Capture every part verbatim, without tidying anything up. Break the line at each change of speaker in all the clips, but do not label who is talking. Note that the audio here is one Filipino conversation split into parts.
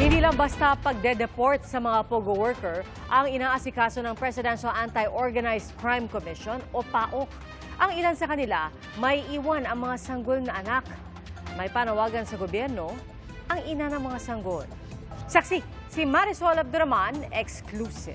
Hindi lang basta pagde-deport sa mga POGO worker ang inaasikaso ng Presidential Anti-Organized Crime Commission o PAOK. Ang ilan sa kanila may iwan ang mga sanggol na anak. May panawagan sa gobyerno ang ina ng mga sanggol. Saksi, si Marisol Abduraman, exclusive.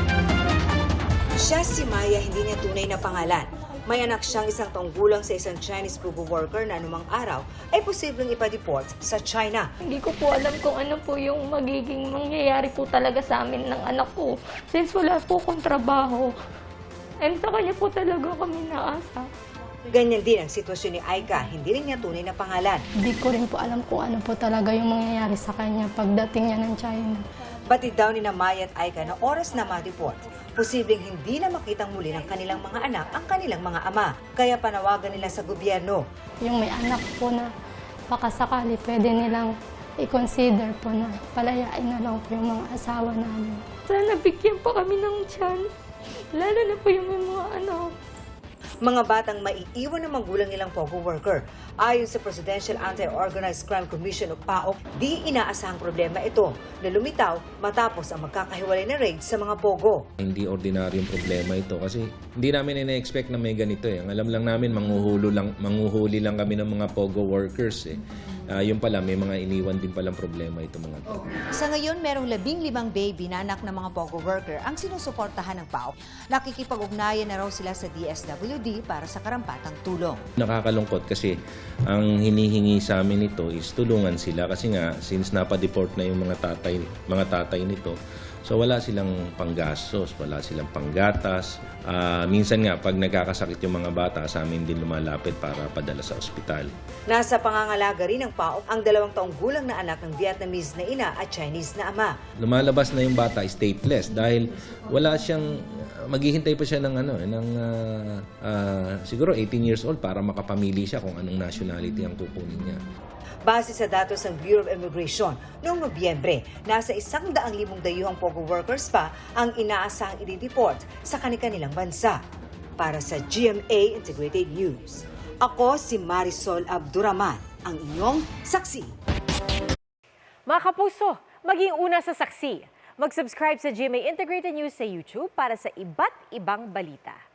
Siya si Maya, hindi niya tunay na pangalan. May anak siyang isang taong gulang sa isang Chinese POGO worker na anumang araw ay posibleng ipa-deport sa China.
Hindi ko po alam kung ano po yung magiging mangyayari po talaga sa amin ng anak ko. Since wala po akong trabaho. And sa kanya po talaga kami naasa.
Ganyan din ang sitwasyon ni Aika, hindi rin niya tunay na pangalan.
Hindi ko rin po alam kung ano po talaga yung mangyayari sa kanya pagdating niya ng China.
Batid daw ni na Maya at Aika na oras na ma-deport, posibleng hindi na makitang muli ng kanilang mga anak ang kanilang mga ama. Kaya panawagan nila sa gobyerno.
Yung may anak po na baka sakali pwede nilang i-consider po na palayain na lang po yung mga asawa namin.
Sana bigyan pa kami ng chance. Lalo na po yung may mga anak.
Mga batang maiiwan ng magulang nilang POGO worker. Ayon sa Presidential Anti-Organized Crime Commission o PAOK, di inaasahang problema ito na lumitaw matapos ang magkakahiwalay na raid sa mga POGO.
Hindi ordinaryong problema ito kasi hindi namin ina-expect na may ganito eh. Ang alam lang namin, manghuhuli lang, manghuhuli lang kami ng mga POGO workers eh. Uh, yung pala, may mga iniwan din palang problema ito mga to.
Sa ngayon, merong labing limang baby na anak ng mga POGO worker ang sinusuportahan ng PAOK. Nakikipag-ugnayan na raw sila sa D S W D para sa karampatang tulong.
Nakakalungkot kasi ang hinihingi sa amin nito is tulungan sila kasi nga since napadeport na yung mga tatay, mga tatay nito, so wala silang panggastos, wala silang panggatas. Uh, minsan nga pag nagkakasakit yung mga bata, sa amin din lumalapit para padala sa ospital.
Nasa pangangalaga rin ng PAOK ang dalawang taong gulang na anak ng Vietnamese na ina at Chinese na ama.
Lumalabas na yung bata stateless dahil wala siyang, maghihintay pa siya ng ano, ng uh, uh, siguro eighteen years old para makapamili siya kung anong nationality ang kukunin niya.
Base sa datos ng Bureau of Immigration, noong Nobyembre, nasa isang daang limong dayuhang POGO workers pa ang inaasahang i-deport sa kanilang bansa. Para sa G M A Integrated News, ako si Marisol Abduraman, ang inyong saksi.
Mga kapuso, maging una sa saksi. Mag-subscribe sa G M A Integrated News sa YouTube para sa iba't ibang balita.